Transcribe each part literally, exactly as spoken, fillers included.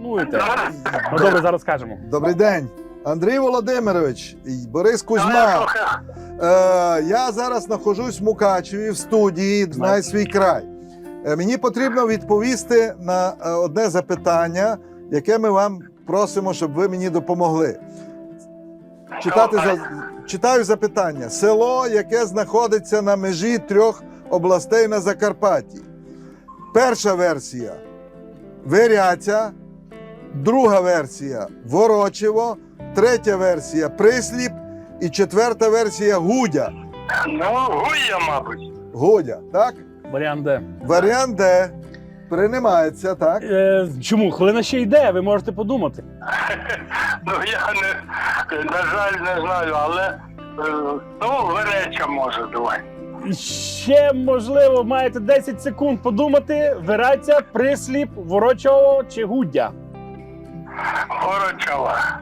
плануєте? Ну добре, зараз скажемо. Добрий день. Андрій Володимирович і Борис Кузьма. Е, я зараз знаходжусь в Мукачеві в студії «Знай свій край». Е, мені потрібно відповісти на е, одне запитання, яке ми вам просимо, щоб ви мені допомогли. Читати за... Читаю запитання. Село, яке знаходиться на межі трьох областей на Закарпатті. Перша версія – Виряця, друга версія – Ворочево, третя версія – Присліп і четверта версія – Гудя. Ну, Гудя, мабуть. Гудя, так? Варіант Д. Варіант Д. Приймається, так? Е, чому? Хвилина ще йде, ви можете подумати. Ну, я не, на жаль, не знаю, але, е, ну, Вереча може, давай. Ще, можливо, маєте десять секунд подумати. Вираця, Присліп, Ворочово чи Гудя? Горочова.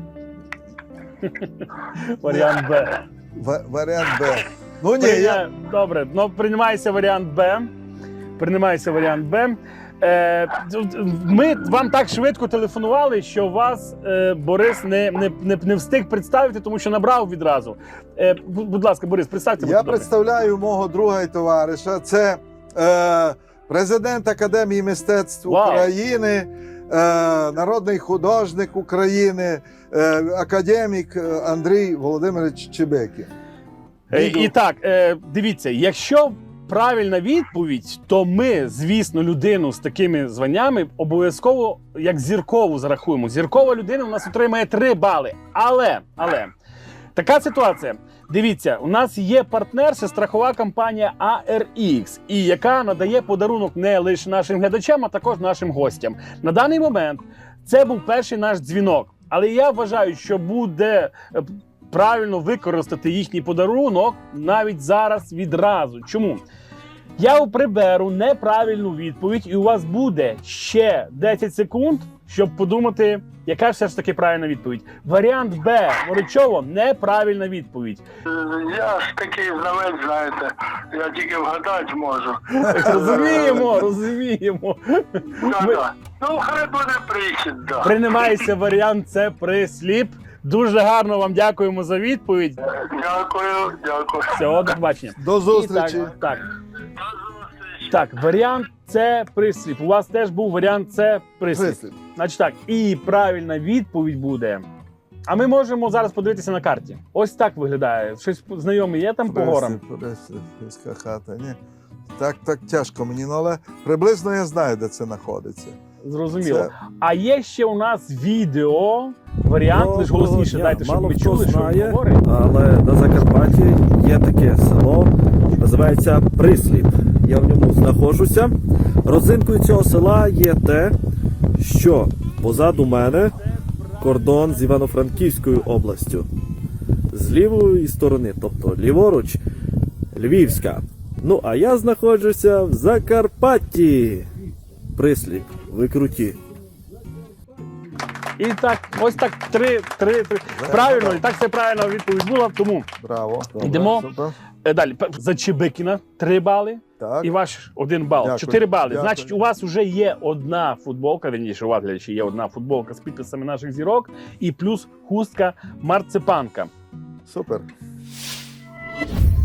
Варіант Б. В- варіант Б. Ну ні, я... Прийня- Добре, ну приймається варіант Б. Приймається варіант Б. Е, ми вам так швидко телефонували, що вас е, Борис не, не, не, не встиг представити, тому що набрав відразу. Е, будь будь ласка, Борис, представте. Я будь добре. представляю мого друга і товариша. Це е, президент Академії мистецтв Вау. України, е, народний художник України, е, академік Андрій Володимирович Чебекін. Е, І так, е, дивіться, якщо правильна відповідь, то ми, звісно, людину з такими званнями обов'язково як зіркову зарахуємо. Зіркова людина у нас отримає три бали. Але, але, така ситуація. Дивіться, у нас є партнер, це страхова компанія А Р Ікс, і яка надає подарунок не лише нашим глядачам, а також нашим гостям. На даний момент це був перший наш дзвінок. Але я вважаю, що буде е, правильно використати їхній подарунок навіть зараз відразу. Чому? Я приберу неправильну відповідь, і у вас буде ще десять секунд, щоб подумати, яка все ж таки правильна відповідь. Варіант Б. Ворочово – неправильна відповідь. Е, Я ж такий знавець, знаєте, я тільки вгадати можу. Розуміємо, розуміємо. Да-да. Ну, хай буде прихід, да. Приймається варіант С – Присліп. Дуже гарно вам дякуємо за відповідь. Дякую, дякую. Всього, до побачення. До зустрічі. І Так, так. Так, варіант С – Присліп. У вас теж був варіант С – Присліп. Присліп. Значить так, і правильна відповідь буде. А ми можемо зараз подивитися на карті. Ось так виглядає. Щось знайоме є там по горам? Присліпська хата. Ні. Так, так тяжко мені, ну, але приблизно я знаю, де це знаходиться. Зрозуміло. Це- А є ще у нас відео, варіант, лише голосніше Доброго дайте, дня. щоб Мало ви хто чули, що він знає, говорить. але на Закарпатті є таке село, називається Присліп. Я в ньому знаходжуся. Родзинкою цього села є те, що позаду мене кордон з Івано-Франківською областю. З лівої сторони, тобто ліворуч, Львівська. Ну, а я знаходжуся в Закарпатті. Присліп, ви круті. І так, ось так, три, три, три. Правильно, і так все правильно відповідь була, тому Браво. Йдемо. Супер. е, далі. П- За Чебикіна три бали. Так. І ваш один бал. Дякую. Чотири бали. Дякую. Значить, у вас вже є одна футболка, вірніше, у вас, глядачі, є одна футболка з підписами наших зірок і плюс хустка марципанка. Супер.